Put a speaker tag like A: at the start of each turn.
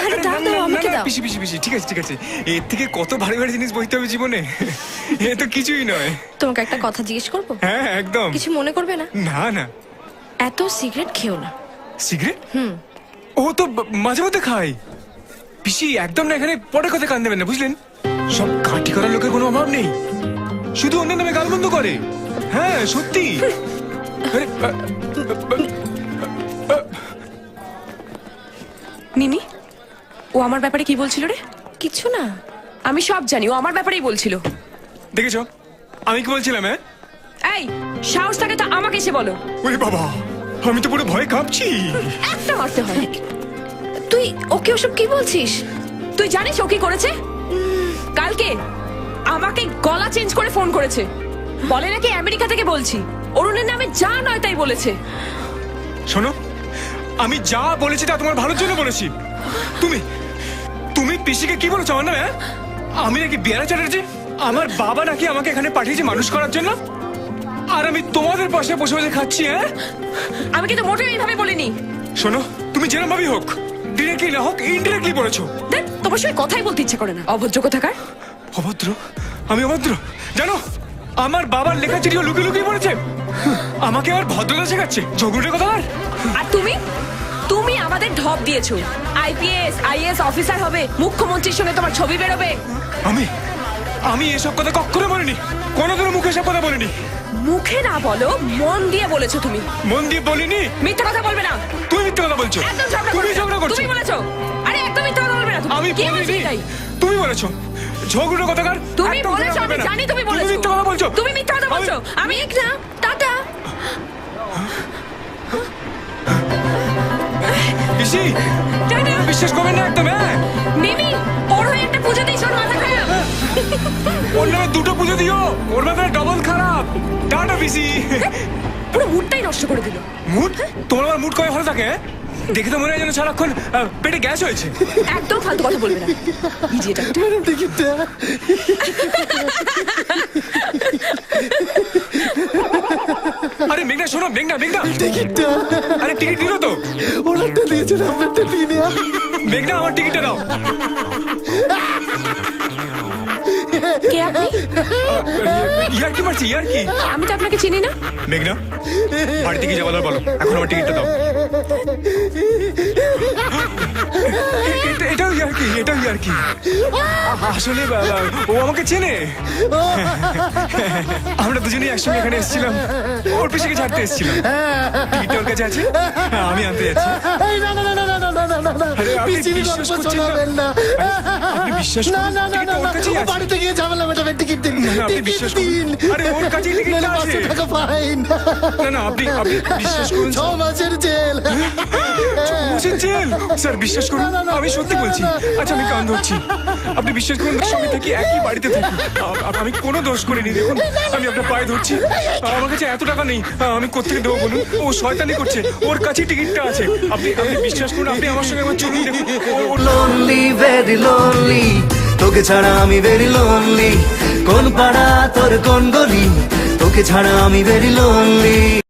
A: আরে দাও দাও, আমাকে দাও।
B: পিসি পিসি পিসি, ঠিক আছে ঠিক আছে। এর থেকে কত ভারী ভারী জিনিস বইতে হবে জীবনে, এ তো কিছুই নয়।
A: তোমাকে একটা কথা জিজ্ঞেস করবো?
B: হ্যাঁ একদম।
A: কিছু মনে করবে না?
B: না না।
A: এত সিগারেট খেও না।
B: সিগারেট? ও তো মাঝে মধ্যে খাই। পিসি একদম না, এখানে পরে কথা কান দেবেন না, বুঝলেন? সব কাটি করার লোকের কোনো অভাব নেই, শুধু অন্যের নামে গালমন্দ করে। হ্যাঁ সত্যি। আরে,
C: মিমি, ও আমার ব্যাপারে কি বলছিল রে?
A: কিছু না।
C: আমি সব জানি, ও আমার ব্যাপারেই বলছিল।
B: দেখেছো আমি কি বলছিলাম? হ্যাঁ
C: এই সাহস থাকে তো আমাকে এসে বলো।
B: ওরে বাবা, আমি তো পুরো ভয় কাঁপছি।
C: একটা মারতে হয়।
A: তুই ওকে ওসব কি বলছিস?
C: তুই জানিস ও কি করেছে? কালকে আমাকে গলা চেঞ্জ করে ফোন করেছে, বলে নাকি আমেরিকা থেকে বলছি, অরুণের নামে যা নয় তাই বলেছে।
B: শোনো, আমি যা বলেছি তা তোমার ভালোর জন্য বলেছি। তুমি তুমি পিসিকে কি বলেছো আমার নামে? হ্যাঁ? আমি নাকি বিয়ারা চ্যাটার্জি? আমার বাবা নাকি আমাকে এখানে পাঠিয়েছে মানুষ করার জন্য, আর আমি তোমাদের পাশে বসে বসে খাচ্ছি। হ্যাঁ,
C: আমি কিন্তু মোটেও এইভাবে বলিনি।
B: শোনো, তুমি যেরকম ভাবেই হোক, ডিরেক্টলি না হোক ইনডিরেক্টলি বলেছো।
C: দেখ, তোমার সঙ্গে কথাই বলতে ইচ্ছে করে না, অভদ্র কোথাকার।
B: অভদ্র? আমি অভদ্র? জানো, আমার বাবার লেখা চিঠিও লুকিয়ে লুকিয়ে পড়েছে। আমাকে আর ভদ্রতা শেখাচ্ছে, ঝগড়ে কথা।
C: আর তুমি তুমি আমাদের ঢপ দিয়েছো, আইপিএস আইএস অফিসার হবে, মুখ্যমন্ত্রীর সঙ্গে তোমার ছবি বেরোবে।
B: আমি আমি এসব কথা কখনো বলিনি, কোনোদিনও মুখে এসব কথা বলিনি।
C: মুখে না বলো, মন দিয়ে বলেছো তুমি।
B: মন দিয়ে বলিনি।
C: মিথ্যা কথা বলবে না।
B: তুমি মিথ্যে কথা বলছো।
C: একদম ঝগড়া
B: তুমি
C: করছো।
B: ঝগড়া করছো।
C: তুমি বলেছো। আরে একদম মিথ্যা কথা বলবে না তুমি।
B: আমি
C: কে
B: বলিনি।
C: বলছে এটাই?
B: তুমি বলেছো। ঝগড়া কথাকার।
C: তুমি
B: একদম
C: বলেছো,
B: ঝগড়া
C: আমি
B: হবে না।
C: জানি তুমি বলেছো।
B: মিথ্যে কথা বলছো।
C: তুমি মিথ্যা কথা বলছো। আমি
A: না, টাটা।
B: পিসি, বিশ্বাস করবেন না একদম। হ্যাঁ
C: মিমি, ওর হয়ে একটা পুজো দিস, ওর মাথা খারাপ।
B: ওর নামে দুটো পুজো দিও, ওর মাথায় ডবল খারাপ। টাটা পিসি।
C: পুরো মুডটাই নষ্ট করে দিল।
B: মুড? তোমার আবার মুড কবে ভালো থাকে? দেখে তো মনে হয় যেন সারাক্ষণ পেটে গ্যাস হয়েছে।
C: একদম ফালতু কথা বলবে না। ইডিয়েট একটা।
B: আরে মেঘনা শোনো, মেঘনা মেঘনা,
D: টিকিটটা
B: আরে টিকিট দিলো তো?
D: ওনারটা দিয়েছেন, আপনারটা দিয়ে নেওয়া।
B: মেঘনা আমার টিকিটটা দাও।
C: কে আপনি?
B: ইয়ার কি মারছি, ইয়ার কি?
C: আমি তো আপনাকে চিনি না।
B: মেঘনা, বাড়িতে কি যাওয়ার বলো, এখন আমার টিকিটটা দাও। এটাও ইয়ার কি, এটাও ইয়ার কি। আসলে ও আমাকে চেনে। আমরা দুজনেই একসঙ্গে এখানে এসেছিলাম, ওর পিছনে ছাড়তে এসেছিলাম। টিকিটটা ওর কাছে আছে, আমি আনতে যাচ্ছি।
D: এই না না না না না না না না না,
B: আরে, আপনি
D: পিসির
B: বিশ্বাস
D: গল্প
B: করছেন না?
D: শোনাবেন না।
B: আপনি বিশ্বাস
D: না
B: করুন,
D: না না
B: টিকিটটা
D: না
B: ওর
D: না,
B: কাছেই
D: ও
B: আছে।
D: বাড়িতে গিয়ে ঝামেলা মেটাবে। টিকিট দিন,
B: না, আপনি
D: টিকিট
B: বিশ্বাস
D: দিন।
B: করুন। আরে, ওর কাছেই টিকিটটা
D: নাহলে
B: আছে।
D: 500 টাকা ফাইন।
B: না না, আপনি আপনি বিশ্বাস করুন।
D: 6 মাসের জেল।
B: বুঝেন জেল? স্যার বিশ্বাস করুন,
D: না, না, না,
B: আমি সত্যি
D: না,
B: বলছি।
D: না, না।
B: আচ্ছা আমি কান ধরছি, আপনি বিশ্বাস করুন, সঙ্গে থাকি, একই বাড়িতে থাকি। আমি কোনো দোষ করিনি। দেখুন, আমি আপনার পায়ে ধরছি, আমার কাছে এত টাকা নেই, আমি কোত্থেকে দেবো বলুন? ও শয়তানি করছে, ওর কাছেই টিকিটটা আছে। আপনি আপনি বিশ্বাস করুন, আপনি আমার সঙ্গে আমার চলুন, দেখুন।
E: লোনলি ভেরি লোনলি, তোকে ছাড়া আমি ভেরি লোনলি। কোন পাড়া তোর কোন গলি, তোকে ছাড়া আমি ভেরি লোনলি।